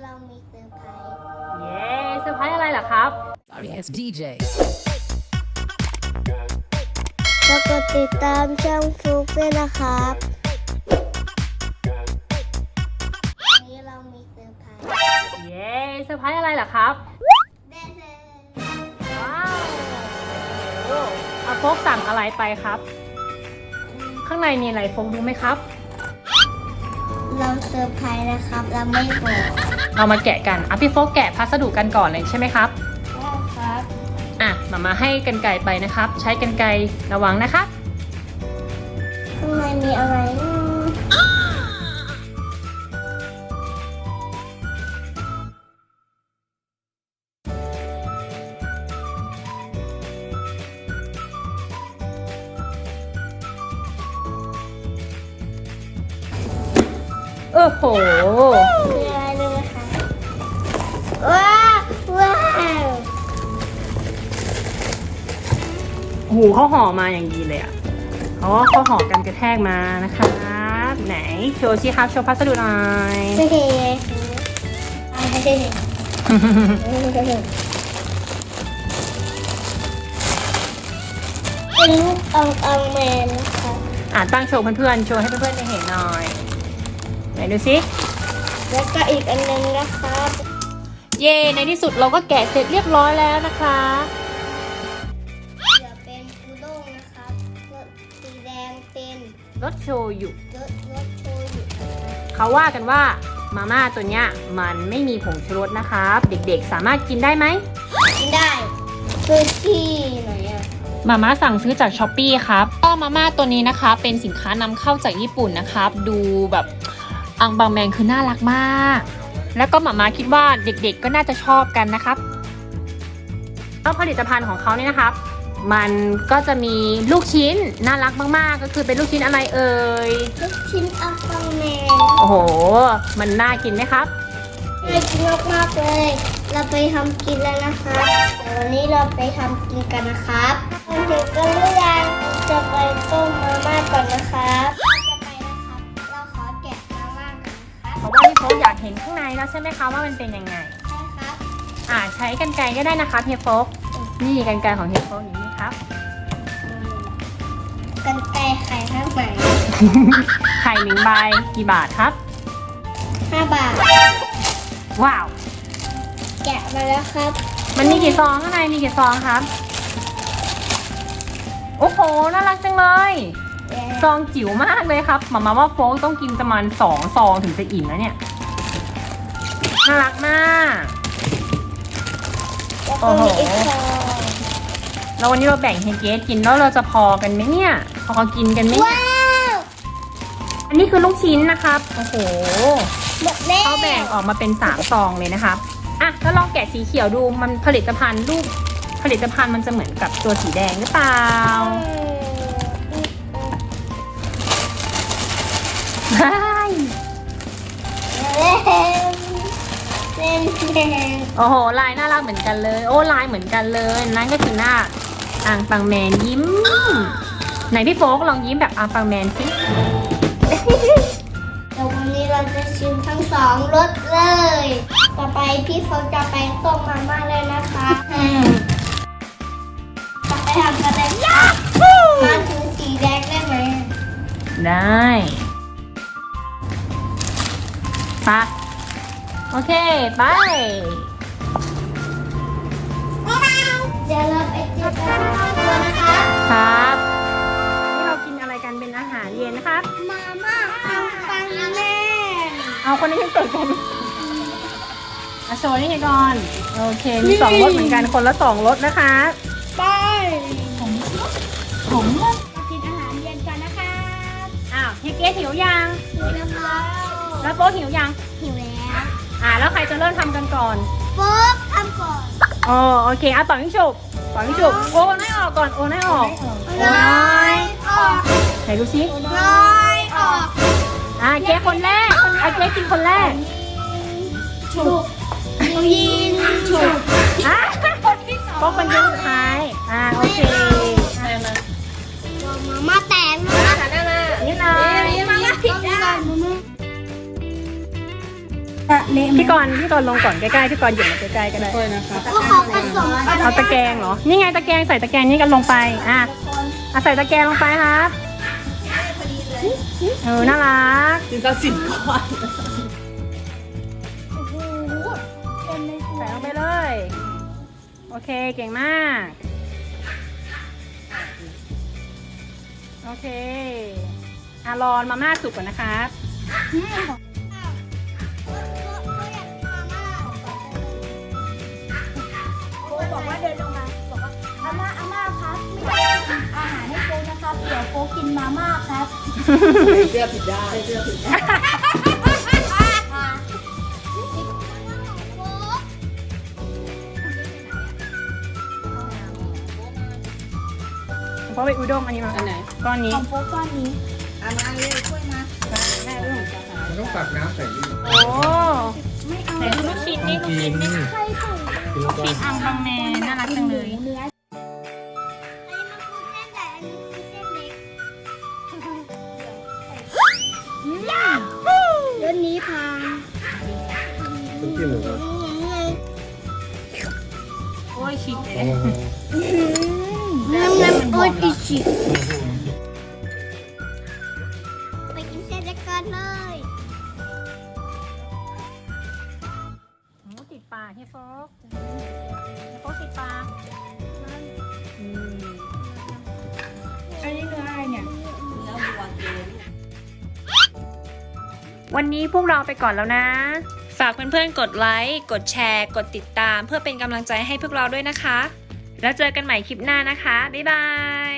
เรามีเซอร์ไพรส์เย้เซอร์ไพรส์อะไรล่ะครับ Sorry, it's DJ. แล้วก็ติดตามช่องฟลุกด้วยนะครับวันนี้เรามีเซอร์ไพรส์เย้เซอร์ไพรส์อะไรล่ะครับเด้เลยว้าวโอ้อาโฟกสั่งอะไรไปครับ ข้างในมีอะไรโฟกรู้ไหมครับเราเซอร์ไพรส์นะครับเราไม่บอกเรามาแกะกันพี่โฟกแกะพัสดุกันก่อนเลยใช่ไหมครับได้ครับมาให้กรรไกรไปนะครับ ใช้กรรไกรระวังนะครับข้างในมีอะไรนะโอ้โหมีอะไรด้วยนะคะว้าวว้าวโอ้โหเขาห่อมาอย่างดีเลยอ่ะอ๋อเขาห่อกันกระแทกมานะครับไหนโชว์สิครับโชว์พัสดุหน่อยเฮ้ยเป็นลูกอังแมนนะคะตั้งโชว์เพื่อนๆโชว์ให้เพื่อนๆได้เห็นหน่อยไหนดูสิแล้วก็อีกอันนึงนะครับเย่ในที่สุดเราก็แกะเสร็จเรียบร้อยแล้วนะคะเดี๋ยวเป็นอูด้งนะครับรสสีแดงเป็นรสโชยุรสโชยุเขาว่ากันว่ามาม่าตัวเนี้ยมันไม่มีผงชูรสนะครับ เด็กๆสามารถกินได้ไหมกินได้คือที่ไหนอ่ะมาม่าสั่งซื้อจากช้อปปี้ครับก็มาม่าตัวนี้นะคะเป็นสินค้านำเข้าจากญี่ปุ่นนะครับ ดูแบบอังบางแมงคือน่ารักมาก แล้วก็มาม่าคิดว่าเด็กๆก็น่าจะชอบกันนะครับแล้วผลิตภัณฑ์ของเขาเนี่ยนะครับ มันก็จะมีลูกชิ้นน่ารักมากๆก็คือเป็นลูกชิ้นอะไรเอ่ยลูกชิ้นอังแมนโอ้โหมันน่ากินไหมครับน่ากินมากๆเลย เราไปทำกินแล้วนะคะเดี๋ยววันนี้เราไปทำกินกันนะครับมาถึงกันหรือยังจะไปต้มมาม่าก่อนนะครับจะไปนะครับเราขอแกะมาม่ากันนะครับเพราะว่าพี่โฟกอยากเห็นข้างในแล้วใช่ไหมคะว่ามันเป็นยังไงใช่ครับใช้กรรไกรก็ได้นะคะเฮียโฟกนี่กรรไกรของเฮียโฟกอยู่นี่ครับกันไกรไข่ข้างไหนไข่1 ใบกี่บาทครับ 5 บาทว้าวแกะมาแล้วครับมันมีกี่ซองข้างในมีกี่ซองครับ โอ้โหน่ารักจังเลยซองจิ๋วมากเลยครับหมาว่าโฟกต้องกินประมาณ2 ซองถึงจะอิ่มแล้วเนี่ยน่ารักมากแล้วก็มีอีกซองแล้ววันนี้เราแบ่งให้เกสกินแล้วเราจะพอกันไหมเนี่ยพอกินกันไหมเนี่ยว้าวอันนี้คือลูกชิ้นนะครับโอ้โหหมดแล้วเขาแบ่งออกมาเป็น3 ซองเลยนะครับแล้วลองแกะสีเขียวดูมันผลิตภัณฑ์รูปผลิตภัณฑ์มันจะเหมือนกับตัวสีแดงหรือเปล่าใช่เล่นแดงโอ้โหลายน่ารักเหมือนกันเลยโอ้ลายเหมือนกันเลยนั่นก็คือหน้าอังปังแมนยิ้มไหนพี่โฟกลองยิ้มแบบอังปังแมนสิเดี๋ยววันนี้เราจะชิมทั้ง2รสเลย ต่อไปพี่เขาจะไปต้มมาม่าเลยนะคะจะไปทำกันเลยยักมาถึงสีแดงได้ไหมได้ไปโอเคไปเดี๋ยวเราไปเจอกันที่ครอบครัวนะคะครับนี่เรากินอะไรกันเป็นอาหารเย็นนะครับมาม่าอังปังแม่เอาคนนี้ให้เกิดกันโชว์นี่ไงก่อนโอเคมี2 รสเหมือนกันคนละ2 รสนะคะไปผมมากินอาหารเย็นกันนะคะเฮียเกสหิวยังหิวแล้วครับแล้วโป๊กหิวยังหิวแล้วแล้วใครจะเริ่มทำกันก่อนโป๊กทำก่อนโอเคต่อยิ่งฉุบโอนให้ออกก่อนโอนให้ออกโอนน้อยออกไหนดูสิน้อยออกเกสคนแรกเกสกินคนแรกฉุกยิงฉุกโป๊กเป็นคนสุดท้ายโอเคมาม่าแตกมาม่านี่เลยมาม่าผิดได้เละไหมพี่กรณ์ลงก่อนใกล้ๆพี่กรณ์หยิบมาใกล้ๆก็ได้ค่อยนะครับพวกเขาผสมกันเอาตะแกรงเหรอนี่ไงตะแกรงใส่ตะแกรงนี้กันลงไปอ่ะใส่ตะแกรงลงไปครับน่ารักจินตสินก่อนใส่ลงไปเลย โอเคเก่งมาก โอเครอมาม่าสุกก่อนนะครับโฟบอกว่าเดินลงมาบอกว่าอาม่าครับไม่ได้ทำอาหารให้โฟนะครับเดี๋ยวโฟกินมาม่าครับเสื้อผิดได้เสื้อผิดได้เพราะไปอุด้งอันนี้มาอันไหนก้อนนี้ของโฟก้อนนี้เอามาเลยช่วยมาแม่เรื่องมันต้องตักน้ำใส่นี่โอ้ไม่เอาไหนดูลูกชิ้นนี่ลูกชิ้นนี่ใครใส่กินแล้วก็ชิ้นอังบังแมนน่ารักจังเลยเนื้ออันนี้มันคือเส้นใหญ่อันนี้คือเส้นเล็กเรื่องนี้พังต้องกินหรือเปล่าโอ้ยชิ้นอ๋อน้ำโอ้ยดิชิไปกินเส้นเล็กกันเลยติดปากเฮียโฟกติดปากอันนี้เนื้ออะไรเนี่ยเนื้อวัวเกลือวันนี้พวกเราไปก่อนแล้วนะ ฝากเพื่อนๆกดไลค์กดแชร์กดติดตามเพื่อเป็นกำลังใจให้พวกเราด้วยนะคะ แล้วเจอกันใหม่คลิปหน้านะคะบ๊ายบาย